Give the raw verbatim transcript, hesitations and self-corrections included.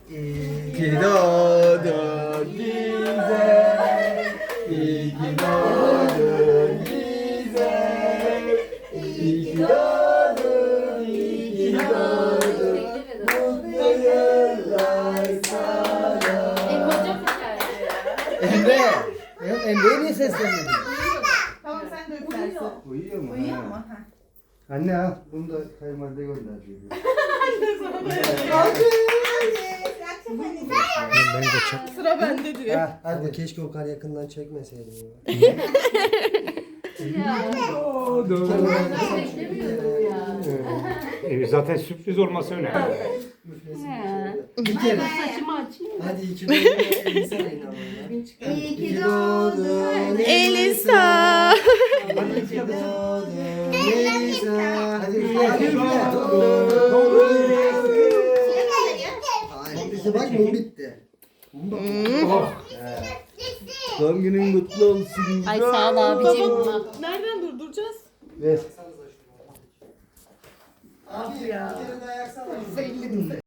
İyi ki doğdun bize. İyi ki doğdun bize. İyi ki doğdun, iyi ki doğdun. Mutlu yıllar sana. Emre! Emre'ye niye seslenmedin? Tamam sen de öpersin. Uyuyor mu? Uyuyor Ha. mu? Ha. Anne al, bunu da kayınvalide gönderdi. Ben kaçak. Sıra bende diyor. Ha, Ama hadi. keşke o kadar yakından çekmeseydim ya. E, zaten sürpriz olması önemli. Bir kere. Hadi iki doğdun Elisa inanmıyor. İyi ki doğdun Elisa. Hadi iki doğdun Elisa. Hadi üfle, hadi üfle. İşte bak mum bitti. Oh. Doğum günün mutlu olsun. Ay sağ ol abicim. Nereden durduracağız? Ver. Abi ya. Bir kere daha yaksana.